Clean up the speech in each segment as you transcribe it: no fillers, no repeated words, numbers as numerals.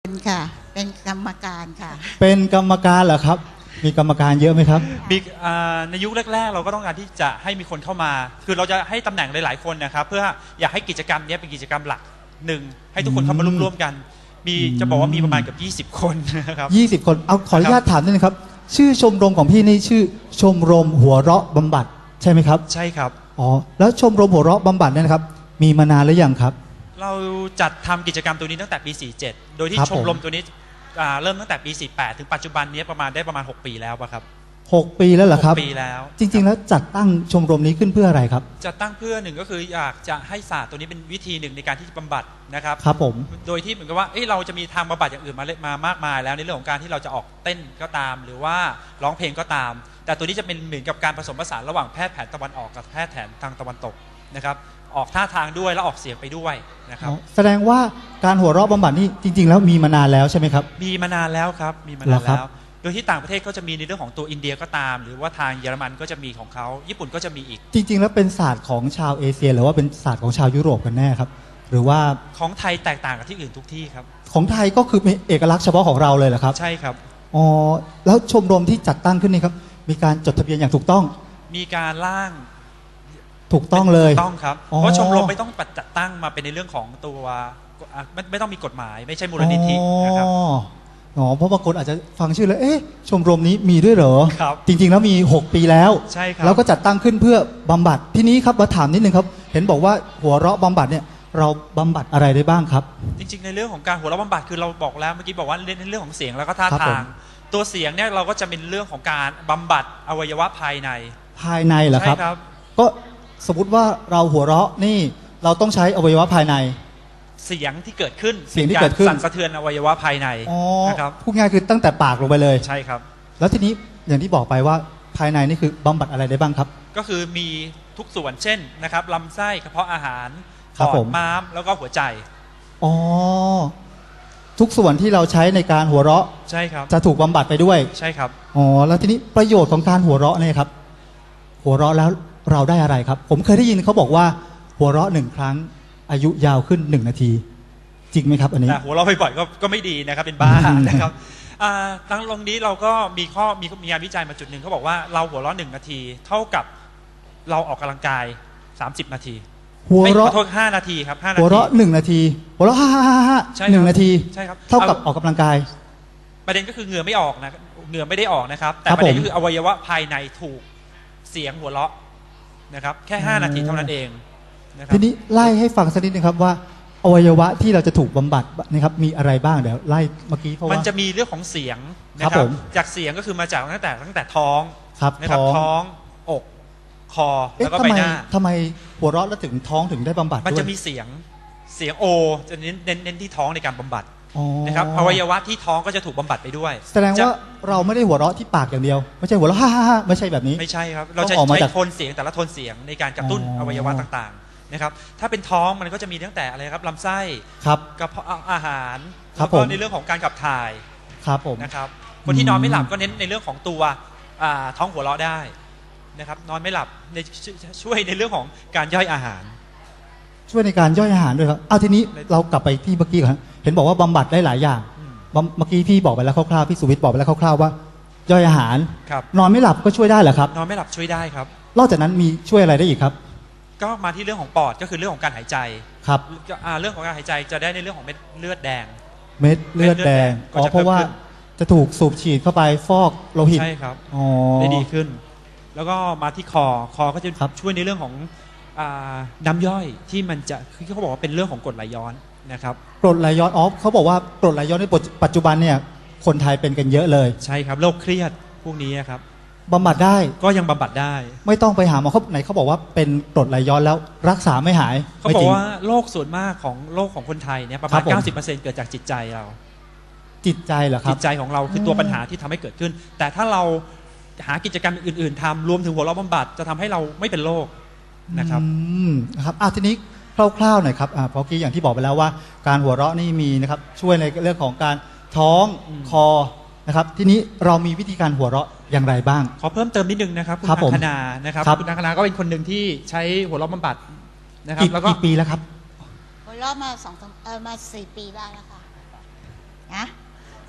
เป็นค่ะเป็นกรรมการค่ะเป็นกรรมการเหรอครับมีกรรมการเยอะไหมครับมีในยุคแรกๆเราก็ต้องการที่จะให้มีคนเข้ามาคือเราจะให้ตำแหน่งหลายๆคนนะครับเพื่ออยากให้กิจกรรมนี้เป็นกิจกรรมหลักหนึ่งให้ทุกคนเข้ามาร่วมกันมีจะบอกว่ามีประมาณเกือบ20 คนนะครับ 20 คนเอาขออนุญาตถามนิดนึงครับชื่อชมรมของพี่นี่ชื่อชมรมหัวเราะบำบัดใช่ไหมครับใช่ครับอ๋อแล้วชมรมหัวเราะบำบัดเนี่ยนะครับมีมานานหรือยังครับเราจัดทำกิจกรรมตัวนี้ตั้งแต่ปี47โดยที่ชมรมตัวนี้เริ่มตั้งแต่ปี48ถึงปัจจุบันนี้ประมาณ6 ปีแล้วครับ 6 ปีแล้วเหรอครับ 6 ปีแล้วจริงๆแล้วจัดตั้งชมรมนี้ขึ้นเพื่ออะไรครับจัดตั้งเพื่อหนึ่งก็คืออยากจะให้ศาสตร์ตัวนี้เป็นวิธีหนึ่งในการที่จะบำบัดนะครับครับผมโดยที่เหมือนกับว่าเราจะมีทางบำบัดอย่างอื่นมามากมายแล้วในเรื่องของการที่เราจะออกเต้นก็ตามหรือว่าร้องเพลงก็ตามแต่ตัวนี้จะเป็นเหมือนกับการผสมผสานระหว่างแพทย์แผนตะวันออกกับแพทย์แผนทางตะวันตกนะครับออกท่าทางด้วยแล้วออกเสียงไปด้วยนะครับแสดงว่าการหัวเราะบำบัดนี่จริงๆแล้วมีมานานแล้วใช่ไหมครับมีมานานแล้วครับมีมานานแล้วโดยที่ต่างประเทศก็จะมีในเรื่องของตัวอินเดียก็ตามหรือว่าทางเยอรมันก็จะมีของเขาญี่ปุ่นก็จะมีอีกจริงๆแล้วเป็นศาสตร์ของชาวเอเชียหรือว่าเป็นศาสตร์ของชาวยุโรปกันแน่ครับหรือว่าของไทยแตกต่างกับที่อื่นทุกที่ครับของไทยก็คือเป็นเอกลักษณ์เฉพาะของเราเลยเหรอครับใช่ครับอ๋อแล้วชมรมที่จัดตั้งขึ้นนี่ครับมีการจดทะเบียนอย่างถูกต้องมีการร่างถูกต้องเลยถูกต้องครับเพราะชมรมไม่ต้องจัดตั้งมาเป็นในเรื่องของตัวไม่ต้องมีกฎหมายไม่ใช่มูลนิธินะครับอ๋อเพราะบางคนอาจจะฟังชื่อแล้วชมรมนี้มีด้วยเหรอครับจริงๆแล้วมี6 ปีแล้วใช่ครับแล้วก็จัดตั้งขึ้นเพื่อบำบัดทีนี้ครับมาถามนิดนึงครับเห็นบอกว่าหัวเราะบำบัดเนี่ยเราบำบัดอะไรได้บ้างครับจริงๆในเรื่องของการหัวเราะบำบัดคือเราบอกแล้วเมื่อกี้บอกว่าในเรื่องของเสียงแล้วก็ท่าทางตัวเสียงเนี่ยเราก็จะเป็นเรื่องของการบำบัดอวัยวะภายในเหรอครับก็สมมติว่าเราหัวเราะนี่เราต้องใช้อวัยวะภายในเสียงที่เกิดขึ้นสั่นสะเทือนอวัยวะภายในนะครับพูดง่ายคือตั้งแต่ปากลงไปเลยใช่ครับแล้วทีนี้อย่างที่บอกไปว่าภายในนี่คือบำบัดอะไรได้บ้างครับก็คือมีทุกส่วนเช่นนะครับลำไส้กระเพาะอาหารปอดม้ามแล้วก็หัวใจอ๋อทุกส่วนที่เราใช้ในการหัวเราะใช่ครับจะถูกบำบัดไปด้วยใช่ครับอ๋อแล้วทีนี้ประโยชน์ของการหัวเราะเนี่ยครับหัวเราะแล้วเราได้อะไรครับผมเคยได้ยินเขาบอกว่าหัวเราะ1 ครั้งอายุยาวขึ้น1 นาทีจริงไหมครับอันนี้หัวเราะบ่อยๆก็ไม่ดีนะครับเป็นบ้านะครับทั้งตรงนี้เราก็มีงานวิจัยมาจุดหนึ่งเขาบอกว่าเราหัวเราะ1 นาทีเท่ากับเราออกกำลังกาย30 นาทีหัวเราะ 5 นาทีครับ5 นาทีหัวเราะ1 นาทีหัวเราะฮ่า1 นาทีใช่ครับเท่ากับออกกำลังกายประเด็นก็คือเหงื่อไม่ออกนะเหงื่อไม่ได้ออกนะครับแต่ประเด็นก็คืออวัยวะภายในถูกเสียงหัวเราะนะครับแค่5 นาทีเท่านั้นเองทีนี้ไล่ให้ฟังสักนิดนึงครับว่าอวัยวะที่เราจะถูกบำบัดนะครับมีอะไรบ้างเดี๋ยวไล่เมื่อกี้เพราะว่ามันจะมีเรื่องของเสียงนะครับจากเสียงก็คือมาจากตั้งแต่ท้องนะครับท้องอกคอแล้วก็ใบหน้าทำไมหัวเราะแล้วถึงท้องถึงได้บำบัดด้วยมันจะมีเสียงโอจะเน้นที่ท้องในการบำบัดนะครับอวัยวะที่ท้องก็จะถูกบำบัดไปด้วยแสดงว่าเราไม่ได้หัวเราะที่ปากอย่างเดียวไม่ใช่หัวเราะฮ่าไม่ใช่แบบนี้ไม่ใช่ครับเราจะใช้โทนเสียงแต่ละโทนเสียงในการกระตุ้นอวัยวะต่างๆนะครับถ้าเป็นท้องมันก็จะมีตั้งแต่อะไรครับลำไส้กระเพาะอาหารแล้วก็ในเรื่องของการขับถ่ายครับผมนะครับคนที่นอนไม่หลับก็เน้นในเรื่องของตัวท้องหัวเราะได้นะครับนอนไม่หลับช่วยในเรื่องของการย่อยอาหารช่วยในการย่อยอาหารด้วยครับเอาทีนี้เรากลับไปที่เมื่อกี้ก่อนเห็นบอกว่าบำบัดได้หลายอย่างเมื่อกี้พี่บอกไปแล้วคร่าวๆพี่สุวิทย์บอกไปแล้วคร่าวๆว่าย่อยอาหารนอนไม่หลับก็ช่วยได้เหรอครับนอนไม่หลับช่วยได้ครับนอกจากนั้นมีช่วยอะไรได้อีกครับก็มาที่เรื่องของปอดก็คือเรื่องของการหายใจครับเรื่องของการหายใจจะได้ในเรื่องของเม็ดเลือดแดงเพราะว่าจะถูกสูบฉีดเข้าไปฟอกโลหิตใช่ครับได้ดีขึ้นแล้วก็มาที่คอก็จะช่วยในเรื่องของน้ำย่อยที่มันจะคือเขาบอกว่าเป็นเรื่องของกรดไหลย้อนนะครับกรดไหลย้อนเขาบอกว่ากรดไหลย้อนในปัจจุบันเนี่ยคนไทยเป็นกันเยอะเลยใช่ครับโรคเครียดพวกนี้ครับบำบัดได้ก็ยังบำบัดได้ไม่ต้องไปหาหมอไหนเขาบอกว่าเป็นกรดไหลย้อนแล้วรักษาไม่หายเขาบอกว่าโรคส่วนมากของโรคของคนไทยเนี่ยประมาณ 90% เกิดจากจิตใจเราจิตใจเหรอครับจิตใจของเราคือตัวปัญหาที่ทำให้เกิดขึ้นแต่ถ้าเราหากิจกรรมอื่นๆทำรวมถึงหัวเราะบำบัดจะทำให้เราไม่เป็นโรคนะครับทีนี้คร่าวๆหน่อยครับเพราะกี้อย่างที่บอกไปแล้วว่าการหัวเราะนี่มีนะครับช่วยในเรื่องของการท้องคอนะครับทีนี้เรามีวิธีการหัวเราะอย่างไรบ้างขอเพิ่มเติมนิดนึงนะครับคุณอังคณานะครับคุณอังคณาก็เป็นคนหนึ่งที่ใช้หัวเราะบำบัดนะครับแล้วก็กี่ปีแล้วครับหัวเราะมา4 ปีได้แล้วค่ะ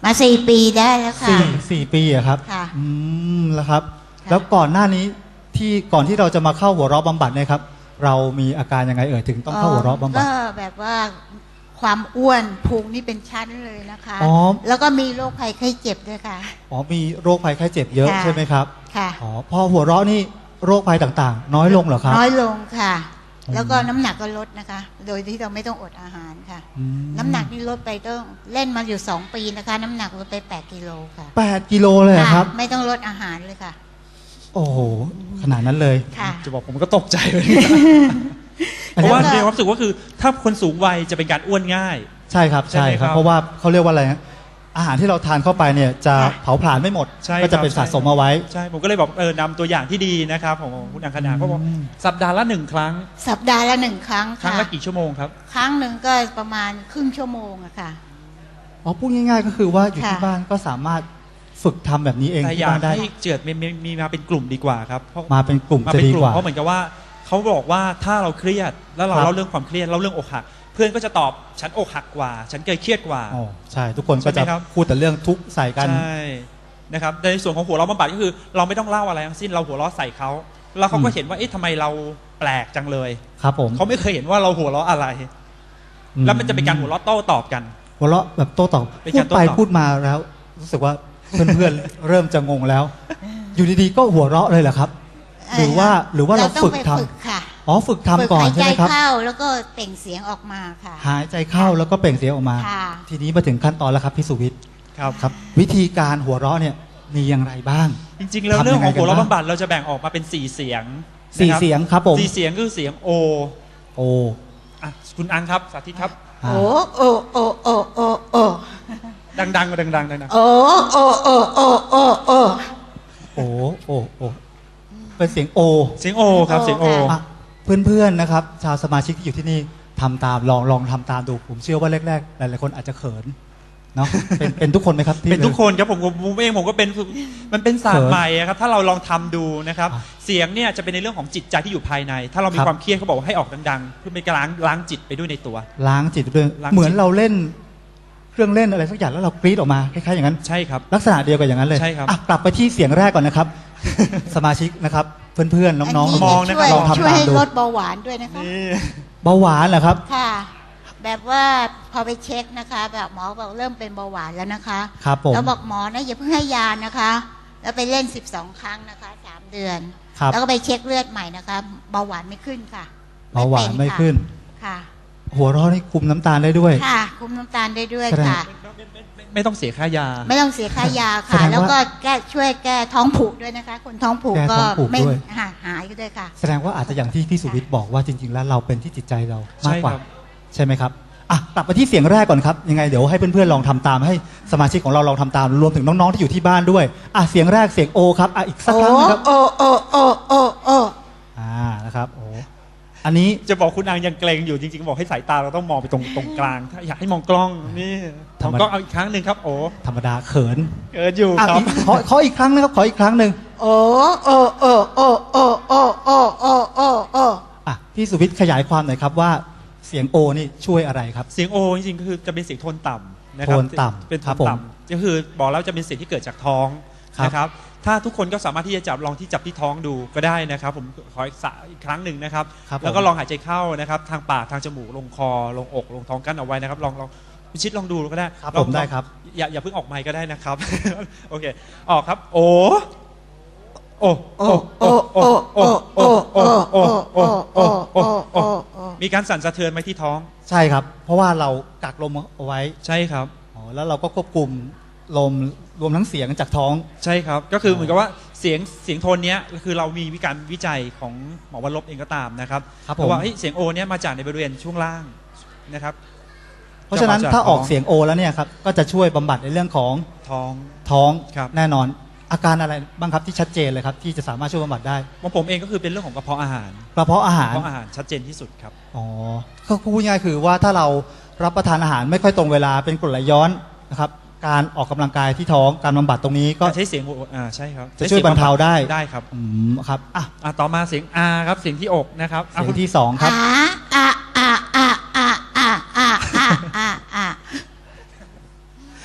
มา4 ปีได้แล้วค่ะสี่ปีอะครับค่ะแล้วครับค่ะแล้วก่อนหน้านี้ก่อนที่เราจะมาเข้าหัวเราะบำบัดเนี่ยครับ เรามีอาการยังไงถึงต้องเข้าหัวเราะบำบัดก็แบบว่าความอ้วนพุงนี่เป็นชั้นเลยนะคะอ๋อแล้วก็มีโรคภัยไข้เจ็บด้วยค่ะอ๋อมีโรคภัยไข้เจ็บเยอะค่ะใช่ไหมครับค่ะอ๋อพอหัวเราะนี่โรคภัยต่างๆ น้อยลงเหรอครับน้อยลงค่ะอืมแล้วก็น้ำหนักก็ลดนะคะ โดยที่เราไม่ต้องอดอาหารค่ะอืมน้ำหนักนี่ลดไปต้องเล่นมาอยู่2 ปีนะคะ น้ำหนักลดไป8 กิโลค่ะ 8 กิโลเลยเหรอครับะไม่ต้องลดอาหารเลยค่ะโอ้โหขนาดนั้นเลยค่ะจะบอกผมก็ตกใจเลยอันเพนี้ราะว่าแล้วก็ในความรู้สึกว่าคือถ้าคนสูงวัยจะเป็นการอ้วนง่ายใช่ครับใช่ใช่ไหมคครัรับ บ เพราะว่าเขาเรียกว่าอะไรนะอาหารที่เราทานเข้าไปเนี่ยจะค่ะเผาผลาญไม่หมดใช่ก็จะครับเป็นสะสมเอาไว้ใช่ผมก็เลยบอกนำตัวอย่างที่ดีนะครับของคุณอังคณาเขาบอกอืมสัปดาห์ละ1 ครั้งสัปดาห์ละ1 ครั้งครั้งค่ะละกี่ชั่วโมงครับครั้งหนึ่งก็ประมาณครึ่งชั่วโมงอะค่ะอ๋อพูดง่ายๆก็คือว่าอยู่ที่ค่ะบ้านก็สามารถฝึกทำแบบนี้เองแต่ที่อยากบ้านได้ให้เจิดมีมาเป็นกลุ่มดีกว่าครับเพราะมาเป็นกลุ่มมาจะเป็นดีกลุ่กมว่าเพราะเหมือนกับว่าเขาบอกว่าถ้าเราเครียดแล้วเราครับเล่าเรื่องความเครียดเล่าเรื่องอกหัก เพื่อนก็จะตอบฉันอกหักกว่า ฉันเคยเครียดกว่าอ๋อใช่ ทุกคนก็ใช่จะไหมครับพูดแต่เรื่องทุกข์ใส่กันใช่นะครับในส่วนของหัวเราะบำบัดก็คือ เราไม่ต้องเล่าอะไรทั้งสิ้นเราหัวเราะใส่เขาแล้วเขาก็เห็นว่าเอ๊ะทำไมเราแปลกจังเลยครับผมเขาไม่เคยเห็นว่าเราหัวเราะอะไร แล้วมันจะเป็นการหัวเราะโต้ตอบกันหัวเราะแบบโต้ตอบเป็นพูกาดรโต้ไปตอบพูดมาแล้ว รู้สึกว่าเพื่อนๆ เริ่มจะงงแล้ว อยู่ดีๆก็หัวเราะเลยเหรอครับ หรือว่าเราต้องฝึกไปทฝึกค่ะำอ๋อฝึกทำก่อนฝึใช่หายไหมใจครับเข้าแล้วก็เปล่งเสียงออกมาค่ะหายใจเข้าแล้วก็เปล่งเสียงออกมาค่ะทีนี้มาถึงขั้นตอนแล้วครับพี่สุวิทย์ครับครับ วิธีการหัวเราะเนี่ยมีอย่างไรบ้างจริงๆแล้วทำยังไงเรื่องของหัวเราะกันบ้างบำบัดเราจะแบ่งออกมาเป็น4 เสียงสี่นะครับเสียงครับผม 4 เสียงคือเสียงโอโอ้อ่ะคุณอังครับสาธิตครับอ่าโอ้โอ้โอ้โอ้โอ้โอ้ดังๆดังๆดังโอ้โอ้โอ้โอ้โอ้โอ้โอ้โอ้โอ้เป็นเสียงโอๆเสียงโอครับเสียงโออ่ะเพื่อนๆนะครับ ชาวสมาชิกที่อยู่ที่นี่ทำตามลองทำตามดู ผมเชื่อว่าแรกๆหลายๆคนอาจจะเขินเนาะเป็นทุกคนไหมครับที่เป็นทุกคนครับผมเองผมก็เป็นมันเป็นศาสตร์ใหม่อะครับถ้าเราลองทำดูนะครับอ่ะเสียงเนี่ยจะเป็นในเรื่องของจิตใจที่อยู่ภายใน ถ้าเรามีครับความเครียดเขาบอกว่าให้ออกดังๆเพื่อเป็นการล้างจิตไปด้วยในตัวล้างจิตด้วยล้างจิตเหมือนเราเล่นเครื่องเล่นอะไรสักอย่างแล้วเรากรี๊ดออกมาคล้ายๆอย่างนั้นใช่ครับลักษณะเดียวกันอย่างนั้นเลยใช่ครับอ่ะกลับไปที่เสียงแรกก่อนนะครับ สมาชิกนะครับ เพื่อนๆน้องมองนะช่วยลองทำช่วยตามให้ดูลดเบาหวานด้วยนะคะนี่เบาหวานเหรอครับค่ะ แบบว่าพอไปเช็คนะคะ แบบหมอบอกเริ่มเป็นเบาหวานแล้วนะคะครับผมแล้วบอกหมอนะอย่าเพิ่งให้ยานะคะ แล้วไปเล่น12 ครั้งนะคะ3 เดือนครับแล้วก็ไปเช็คเลือดใหม่นะคะเบาหวานไม่ขึ้นค่ะเบาหวานไม่เป็ขึ้นค่ะหัวเราะนี่คุมน้ำตาลได้ด้วยค่ะ คุมน้ำตาลได้ด้วยแสดงค่ะไม่ต้องเสียค่ายาไม่ต้องเสียค่ายาแสค่ะดงว่าแล้วก็ช่วยแก้ท้องผูกด้วยนะคะ คนท้องผูกแก้ก็ท้องผูกไม่ด้วยหายก็ด้วยค่ะแสดงว่าอาจจะอย่างที่พี่สุวิทย์บอกว่าจริง ๆ แล้วเราเป็นที่จิตใจเรามากกว่าใช่ครับใช่ไหมครับอ่ะกลับไปที่เสียงแรกก่อนครับยังไงเดี๋ยวให้เพื่อนๆลองทำตามให้สมาชิกของเราลองทำตามรวมถึงน้องๆที่อยู่ที่บ้านด้วยอ่ะเสียงแรกเสียงโอครับอ่ะอีกสักโอ้ครั้งนะครับโอ้โอ้โอ้โอ้โอ้นะครับโอ้อันนี้จะบอกคุณอังยังเกรงอยู่จริงๆบอกให้สายตาเราต้องมองไปตรงกลางถ้าอยากให้มองกล้องนี่มองกล้องเอาอีกครั้งหนึ่งครับโอ้ธรรมดาเขินเกิดอยู่อ่ะครับขออีกครั้งนะครับขออีกครั้งหนึ่งโอ้โอ้โอ้โอ้โอ้โอ้โอ้โอ้โอ้โอ้อ่ะพี่สุวิทย์ขยายความหน่อยครับว่าเสียงโอนี่ช่วยอะไรครับเสียงโอจริงๆก็คือจะเป็นเสียงโทนต่ำนะครับโทนต่ำเป็นโทครับนผมต่ำก็คือบอกแล้วจะเป็นเสียงที่เกิดจากท้องครับนะครับถ้าทุกคนก็สามารถที่จะจับลองที่จับที่ท้องดูก็ได้นะครับผมขออีกครั้งหนึ่งนะครับครับผมแล้วก็ลองหายใจเข้านะครับทางปากทางจมูกลงคอลงอกลงท้องกั้นเอาไว้นะครับลองพิชิตลองดูก็ได้ครับลองผมได้ครับอย่าเพิ่งออกไมค์ก็ได้นะครับ โอเคออกครับโอโอโอ้โอ้โอ้โอ้โอ้โอ้โอ้โอ้โอ้โอ้โอ้โอ้มีการสั่นสะเทือนไหมที่ท้องใช่ครับ เพราะว่าเรากักลมเอาไว้ใช่ครับอ๋อแล้วเราก็ควบคุมลมรวมทั้งเสียงจากท้องใช่ครับก็คือเหมือนกับว่าเสียงโทนเนี้ยคือเรามีการวิจัยของหมอวรลบเองก็ตามนะครับครับผมเพราะว่าเฮ้ยเสียงโอเนี้ยมาจากในบริเวณช่วงล่างนะครับเพราะฉะนั้นจะมาจากถ้าออกท้องเสียงโอแล้วเนี่ยครับก็จะช่วยบำบัดในเรื่องของท้องท้องครับแน่นอน อาการอะไรบ้างครับที่ชัดเจนเลยครับที่จะสามารถช่วยบำบัดได้ของผมเองก็คือเป็นเรื่องของกระเพาะอาหารกระเพาะอาหารกระเพาะอาหารชัดเจนที่สุดครับอ๋อก็พูดง่ายๆคือว่าถ้าเรารับประทานอาหารไม่ค่อยตรงเวลาเป็นกรดไหลย้อนนะครับการออกกำลังกายที่ท้องการบำบัดตรงนี้ก็ใช้เสียงโอใช่ครับจะช่วยบรรเทาได้ได้ครับครับอ่ะต่อมาเสียงอาครับเสียงที่อกนะครับเสียงที่สองครับอ่าอ่าอ่าอ่าอ่าอ่าอ่าอ่า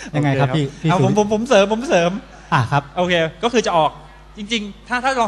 ยังไงครับโอเพี่เอาสุวิทย์ผมเสริมครับโอเคก็คือจะออกจริงๆถ้าลอง